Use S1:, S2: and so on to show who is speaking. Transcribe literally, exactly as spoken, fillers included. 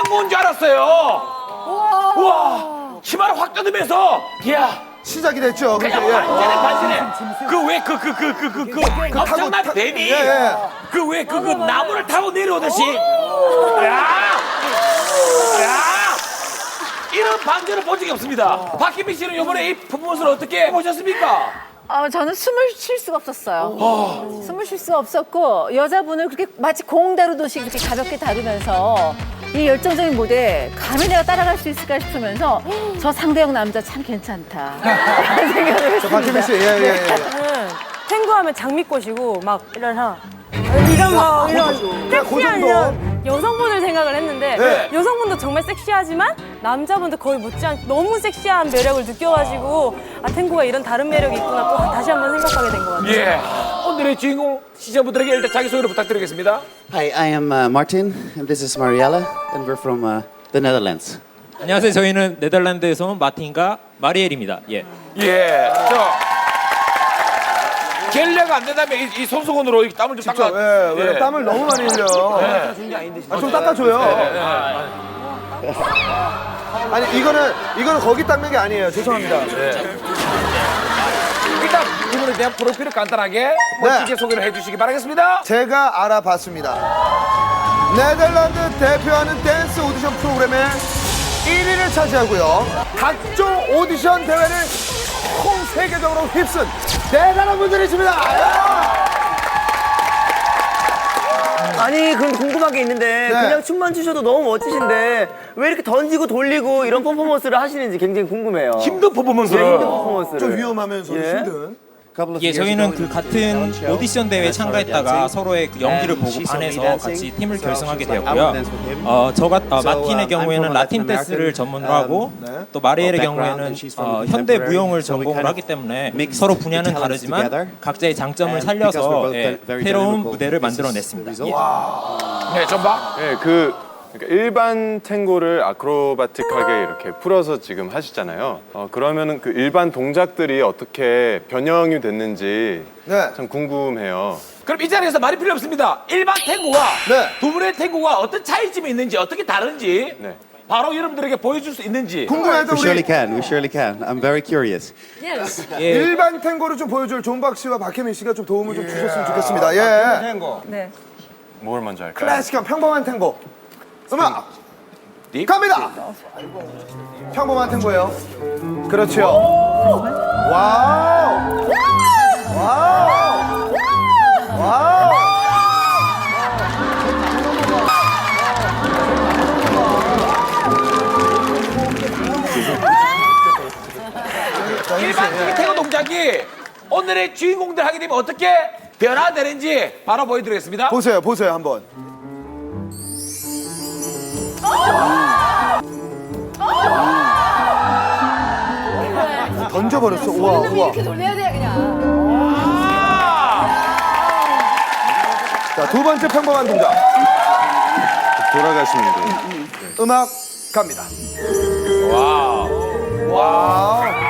S1: 탱고인 줄 알았어요. 우와, 치마를 확 뜯으면서 야.
S2: 시작이 됐죠.
S1: 그냥
S2: 그게, 예.
S1: 반전에 반전에 그 왜 그 그 그 그 그 그 엄청난
S2: 타-
S1: 뱀이
S2: 예, 예.
S1: 그 왜 그 그 나무를 타고 내려오듯이 야! 야! 이런 반전을 본 적이 없습니다. 박희민 씨는 이번에 이 퍼포먼스를 어떻게 보셨습니까?
S3: 어, 저는 숨을 쉴 수가 없었어요. 숨을 쉴 수가 없었고 여자분을 그렇게 마치 공 다루듯이 이렇게 가볍게 다루면서 이 열정적인 무대 감히 내가 따라갈 수 있을까 싶으면서 저 상대형 남자 참 괜찮다 라는 생각을 했습니다.
S2: 박혜민 씨, 예, 예, 예.
S4: 저는 탱고하면 장미꽃이고 막 이런 하 이런 막 이런 섹시한
S2: 그 정도.
S4: 이런 여성분을 생각을 했는데
S2: 네.
S4: 여성분도 정말 섹시하지만 남자분도 거의 못지않게 너무 섹시한 매력을 느껴가지고 아 탱고가 이런 다른 매력이 있구나 또 다시 한번 생각하게 된 것 같아요.
S1: 예. 오늘의 주인공 시청자분들에게 일단 자기소개를 부탁드리겠습니다.
S5: Hi, I am uh, Martin, and this is Mariella, and we're from uh, the Netherlands.
S6: 안녕하세요. 저희는 네덜란드에서 온 마틴과 마리엘입니다. 예.
S1: 예. 저 겔레가 안 된다면 이, 이 손수건으로 이 땀을 좀
S2: 직접,
S1: 닦아.
S2: 예, 왜냐면 땀을 너무 많이 흘려. 아, 좀 닦아줘요. 아니, 이거는, 이거는 거기 닦는 게 아니에요. 죄송합니다.
S1: 일단 이분에 대한 프로필을 간단하게 멋지게 소개를 해주시기 바라겠습니다.
S2: 제가 알아봤습니다. 네덜란드 대표하는 댄스 오디션 프로그램의 일 위를 차지하고요. 각종 오디션 대회를 총 세계적으로 휩쓴 대단한 분들이십니다.
S7: 아니 그럼 궁금한 게 있는데
S2: 네.
S7: 그냥 춤만 추셔도 너무 멋지신데 왜 이렇게 던지고 돌리고 이런 퍼포먼스를 하시는지 굉장히 궁금해요.
S1: 힘든
S7: 예,
S1: 퍼포먼스를.
S7: 힘든 퍼포먼스를.
S2: 좀 위험하면서
S7: 예.
S2: 힘든.
S5: Couple of
S6: 예,
S5: years
S6: 저희는
S5: ago
S6: 그
S5: in
S6: 같은
S5: Talent show,
S6: 오디션 대회에
S5: I started
S6: 참가했다가
S5: dancing,
S6: 서로의 그 연기를
S5: and
S6: 보고
S5: she saw me
S6: 반해서
S5: dancing,
S6: 같이 팀을
S5: so
S6: 결성하게
S5: she was like,
S6: 되었고요.
S5: I will dance with him.
S6: 어, 저 같, 어,
S5: So,
S6: 마틴의
S5: um, I'm
S6: 경우에는
S5: from a
S6: 라틴
S5: Latin
S6: 댄스를
S5: American,
S6: 전문으로 하고
S5: um,
S6: 또 마리엘의
S5: background,
S6: 경우에는
S5: and she's from
S6: 어,
S5: the
S6: 현대
S5: contemporary,
S6: 무용을
S5: so we
S6: 전공을
S5: kind of
S6: 하기 때문에
S5: mixed
S6: 서로
S5: the
S6: 분야는
S5: talents
S6: 다르지만
S5: together.
S6: 각자의 장점을
S5: And because we're
S6: 살려서
S5: both
S6: 예,
S5: very
S6: 새로운
S5: dynamical,
S6: 무대를
S5: this is the
S6: 만들어냈습니다.
S5: result.
S6: 예.
S1: 네, 전박.
S8: 네, 그 그러니까 일반 탱고를 아크로바틱하게 이렇게 풀어서 지금 하시잖아요. 어, 그러면은 그 일반 동작들이 어떻게 변형이 됐는지
S2: 네.
S8: 참 궁금해요.
S1: 그럼 이 자리에서 말이 필요 없습니다. 일반 탱고와
S2: 네.
S1: 두 분의 탱고가 어떤 차이점이 있는지 어떻게 다른지
S8: 네.
S1: 바로 여러분들에게 보여줄 수 있는지.
S2: 궁금해도
S5: We surely
S2: 우리
S5: can, we surely can. I'm very curious.
S6: 예.
S2: 일반 탱고를 좀 보여줄 존박 씨와 박혜민 씨가 좀 도움을 좀 주셨으면 좋겠습니다. 예.
S4: 네.
S8: 뭘 먼저 할까요?
S2: 클래식한 평범한 탱고. 음악
S1: 립?
S2: 갑니다. 평범한 탱고예요. 그렇죠. 와우. 와우. 와우.
S1: 일반적인 탱고 동작이 오늘의 주인공들 하게 되면 어떻게 변화되는지 바로 보여드리겠습니다.
S2: 보세요, 보세요 한번. 던져버렸어. 우와, 우와.
S3: 이렇게 돌려야 돼 그냥.
S2: 자, 두 번째 평범한 동작.
S8: 돌아가시면 돼요.
S2: 음악 갑니다. 와우. 와우.